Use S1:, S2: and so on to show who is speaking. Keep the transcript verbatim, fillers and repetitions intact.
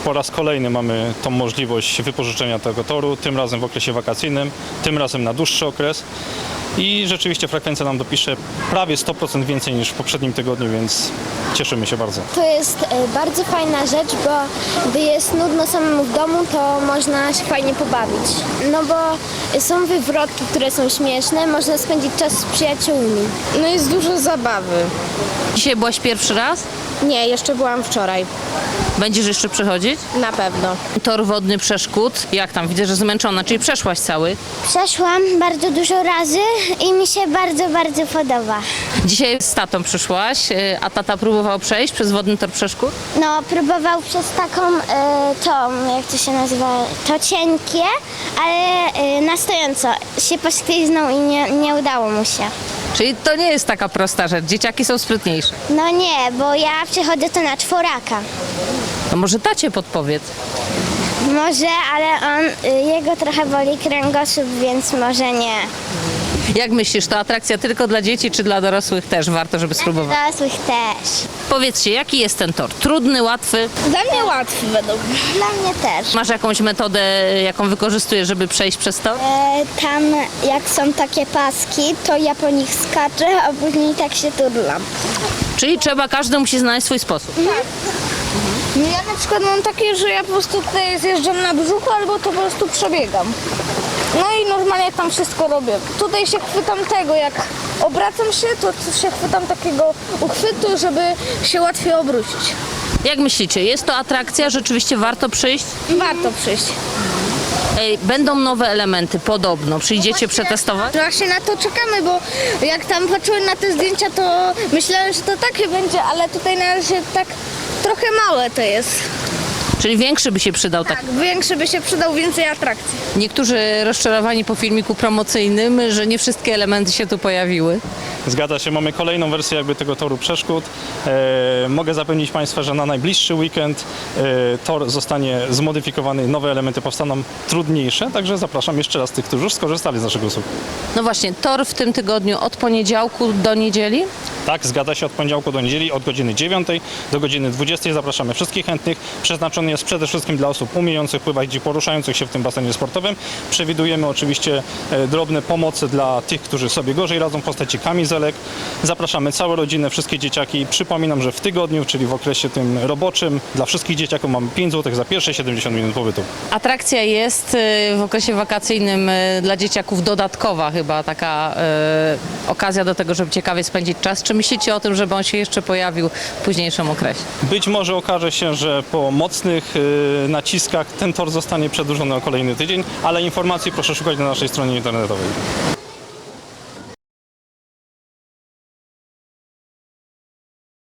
S1: po raz kolejny mamy tą możliwość wypożyczenia tego toru, tym razem w okresie wakacyjnym, tym razem na dłuższy okres. I rzeczywiście frekwencja nam dopisze prawie sto procent więcej niż w poprzednim tygodniu, więc cieszymy się bardzo.
S2: To jest e, bardzo fajna rzecz, bo gdy jest nudno samemu w domu, to można się fajnie pobawić. No bo są wywrotki, które są śmieszne, można spędzić czas z przyjaciółmi.
S3: No jest dużo zabawy.
S4: Dzisiaj byłaś pierwszy raz?
S3: Nie, jeszcze byłam wczoraj.
S4: Będziesz jeszcze przychodzić?
S3: Na pewno.
S4: Tor wodny przeszkód. Jak tam? Widzę, że zmęczona, czyli przeszłaś cały.
S2: Przeszłam bardzo dużo razy i mi się bardzo, bardzo podoba.
S4: Dzisiaj z tatą przyszłaś, y, a tata próbował przejść przez wodny tor przeszkód.
S2: No, próbował przez taką, e, tą, jak to się nazywa, to cienkie, ale e, na stojąco się pośliznął i nie, nie udało mu się.
S4: Czyli to nie jest taka prosta rzecz. Dzieciaki są sprytniejsze.
S2: No nie, bo ja przechodzę to na czworaka.
S4: To może tacie podpowiedz.
S2: Może, ale on, y, jego trochę boli kręgosłup, więc może nie.
S4: Jak myślisz, to atrakcja tylko dla dzieci, czy dla dorosłych też warto, żeby spróbować?
S2: Dorosłych też.
S4: Powiedzcie, jaki jest ten tor? Trudny, łatwy?
S3: Dla mnie łatwy według mnie.
S2: Dla mnie też.
S4: Masz jakąś metodę, jaką wykorzystujesz, żeby przejść przez tor?
S2: E, tam jak są takie paski, to ja po nich skaczę, a później tak się turlam.
S4: Czyli trzeba, każdy musi znaleźć swój sposób.
S3: Ja na przykład mam takie, że ja po prostu tutaj zjeżdżam na brzuchu albo to po prostu przebiegam. No i normalnie tam wszystko robię. Tutaj się chwytam tego, jak obracam się, to się chwytam takiego uchwytu, żeby się łatwiej obrócić.
S4: Jak myślicie, jest to atrakcja? Rzeczywiście warto przyjść?
S3: Warto przyjść.
S4: Ej, będą nowe elementy, podobno. Przyjdziecie przetestować?
S3: Właśnie na to czekamy, bo jak tam patrzyłem na te zdjęcia, to myślałem, że to takie będzie, ale tutaj na razie tak trochę małe to jest.
S4: Czyli większy by się przydał tak.
S3: Tak, większy by się przydał, więcej atrakcji.
S4: Niektórzy rozczarowani po filmiku promocyjnym, że nie wszystkie elementy się tu pojawiły.
S1: Zgadza się, mamy kolejną wersję jakby tego toru przeszkód. E, mogę zapewnić Państwa, że na najbliższy weekend e, tor zostanie zmodyfikowany, nowe elementy powstaną trudniejsze, także zapraszam jeszcze raz tych, którzy już skorzystali z naszego usług.
S4: No właśnie, tor w tym tygodniu od poniedziałku do niedzieli.
S1: Tak, zgadza się, od poniedziałku do niedzieli, od godziny dziewiątej do godziny dwudziestej zapraszamy wszystkich chętnych. Przeznaczony jest przede wszystkim dla osób umiejących pływać i poruszających się w tym basenie sportowym. Przewidujemy oczywiście e, drobne pomocy dla tych, którzy sobie gorzej radzą w postaci kamizelek. Zapraszamy całe rodzinę, wszystkie dzieciaki. Przypominam, że w tygodniu, czyli w okresie tym roboczym, dla wszystkich dzieciaków mamy pięć złotych za pierwsze siedemdziesiąt minut pobytu.
S4: Atrakcja jest y, w okresie wakacyjnym y, dla dzieciaków dodatkowa chyba taka y, okazja do tego, żeby ciekawie spędzić czas. Czy myślicie o tym, żeby on się jeszcze pojawił w późniejszym okresie?
S1: Być może okaże się, że po mocnych e, naciskach ten tor zostanie przedłużony o kolejny tydzień, ale informacji proszę szukać na naszej stronie internetowej.